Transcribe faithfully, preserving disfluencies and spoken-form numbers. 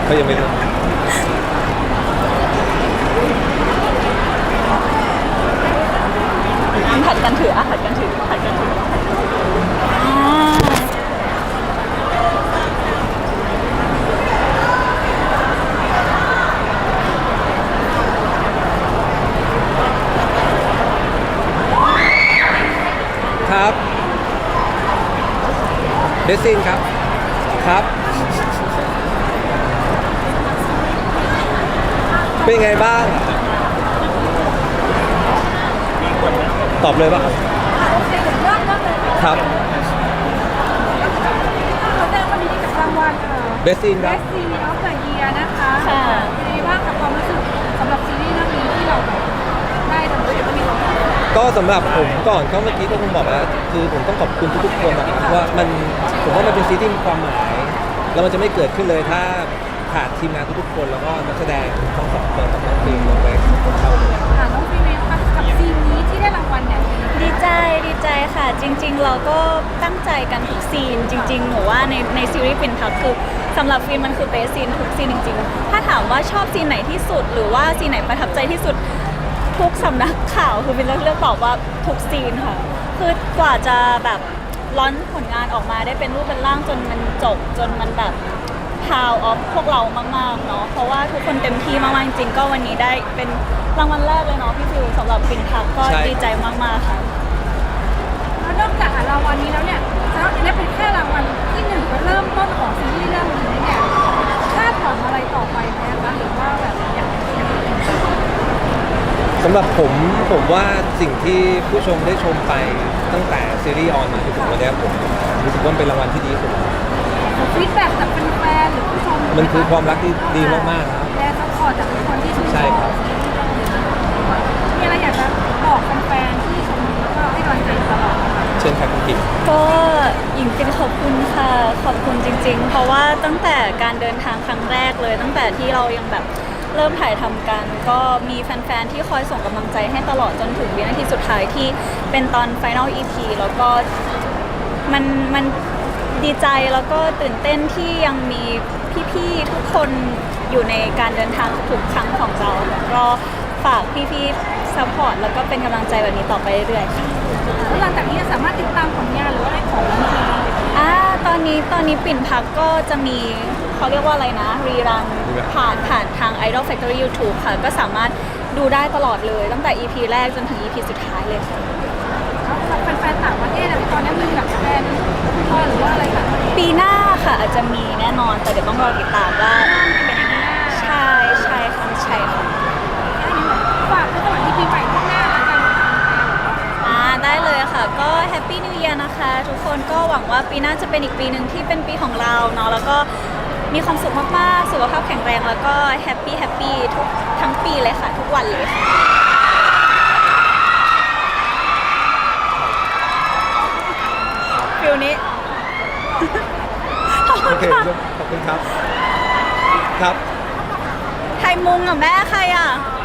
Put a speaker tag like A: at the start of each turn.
A: เขายังไม่รู้
B: ผัดกันถืออ่ะผัดกันถือผัดกันถือ
A: ครับเดซินครับครับเป็นไงบ้างตอบเลยป่ะครับ
C: โอเคเดี๋ยวเริ่มเริ่มเลย
A: ครับ
C: เราได้วันนี้กับรางวัล
A: เบสซินครับ
C: Best Series of the Year นะคะเป็นไงบ้างกับความรู้สึกสำหรับซีรีส์เรื่องนี้ที่เราแบบได้ทำด้วยกันมีรางวัล
A: ก็สำหรับผมก่อนก็เมื่อกี้ก็คงบอกแล้วคือผมต้องขอบคุณทุกๆคนนะครับว่ามันผมว่ามันเป็นซีรีส์ที่มีความหมายแล้วมันจะไม่เกิดขึ้นเลยถ้าขาดทีมงานทุกๆคนแล้วก็นักแสดงทั้งสองคนกับน้องเพลงลงไปคนเข้าเลย
C: ค่ะน้องฟีเมลค่ะกับซีนนี้ที่ได้รางวัลเนี่ย
B: ดีใจดีใจค่ะจริงๆเราก็ตั้งใจกันทุกซีนจริงๆหนูว่าในในซีรีส์ปิ่นพักคือสำหรับฟิล์มมันคือเบสซีนทุกซีนจริงๆถ้าถามว่าชอบซีนไหนที่สุดหรือว่าซีนไหนประทับใจที่สุดทุกสำนักข่าวคือฟิล์มเลือกตอบว่าทุกซีนค่ะคือกว่าจะแบบร้อนผลงานออกมาได้เป็นรูปเป็นร่างจนมันจบจนมันแบบพาวออฟพวกเรามากๆเนาะเพราะว่าทุกคนเต็มที่มากๆจริงๆก็วันนี้ได้เป็นรางวัลแรกเลยเนาะพี่ฟิวสำหรับปิ่นพักก็ดีใจมากๆค่ะ
C: แล้วนอกจากรางวัลนี้แล้วเนี่ยแล้วนี่เป็นแค่รางวัลที่หนึ่งก็เริ่มต้นของซีรีส์เรื่องนี้เนี่ยคาดหวังอะไรต่อไปไหมคะหรือว่าแบบอยาก
A: สำหรับผมผมว่าสิ่งที่ผู้ชมได้ชมไปตั้งแต่ซีรีส์ออนมาจนถึงวันนี้ผมรู้สึกว่าเป็นรางวัลที่ดีที่สุด
C: ฟีดแบ็กจากแฟนๆหรือผู้ชม
A: มันคือความรักที่ดีมากๆครับ
C: และซัพพอร์ตจากคนที่ชื่นช
A: ใช่
C: อบ
A: ครับ
C: มีอะไรอยากจะบอกแฟนๆที่ชมแล้วก็ให้กำลังใจตลอดไหมคะ
A: เช่นค่ะคุณกิ๊ก
B: ก็หญิงเป็นขอบคุณค่ะขอบคุณจริงๆ เพราะว่าตั้งแต่การเดินทางครั้งแรกเลย ตั้งแต่ที่เรายังแบบเริ่มถ่ายทำกัน ก็มีแฟนๆที่คอยส่งกำลังใจให้ตลอดจนถึงวินาทีสุดท้ายที่เป็นตอน Final อี พี แล้วก็มันมันดีใจแล้วก็ตื่นเต้นที่ยังมีพี่ๆทุกคนอยู่ในการเดินทางทุกๆครั้งของเราก็ฝากพี่ๆซัพพอร์ตแล้วก็เป็นกำลังใจแบบนี้ต่อไปเรื่อยๆค่ะ
C: แล้วหลังจากนี้จะสามารถติดตามผลงานหรือว่าอะไรของน้องพี
B: อ่าตอนนี้ตอนนี้ปิ่นพักก็จะมีเขาเรียกว่าอะไรนะรีรันผ่านผ่านทาง Idol Factory YouTube ค่ะ ก็สามารถดูได้ตลอดเลยตั้งแต่ อี พี แรกจนถึง อี พี สุดท้ายเลยค่ะ
C: แล้วสำหรับแฟนๆต่างประเทศอะตอนนี้มีแบบแฟนพ่อหรือว่าอะไรแบบ
B: ปีหน้าค่ะอาจจะมีแน่นอน แต่เดี๋ยวต้องรอติดตามว่าเป็นยังไงใช่ใช่ค่ะใช่ค่ะ
C: ฝากในสวัสดีปีใหม่ข้างหน้าแล้วกัน
B: อ่าได้เลยค่ะก็แฮปปี้นิว e ย r นะคะ ทุกคนก็หวังว่าปีหน้าจะเป็นอีกปีหนึ่งที่เป็นปีของเราเนาะแล้วก็มีความสุขมากๆสุขภาพแข็งแรงแล้วก็แฮปปี้แฮปปี้ทุกทั้งปีเลยค่ะ ทุกวันเลยค่ะฟิลนี้ ขอบคุ
A: โอ
B: ณ
A: เค
B: ค่ะ
A: ขอบคุณครับครับ
B: ไทยมุงอ่ะแม่ใครอ่ะ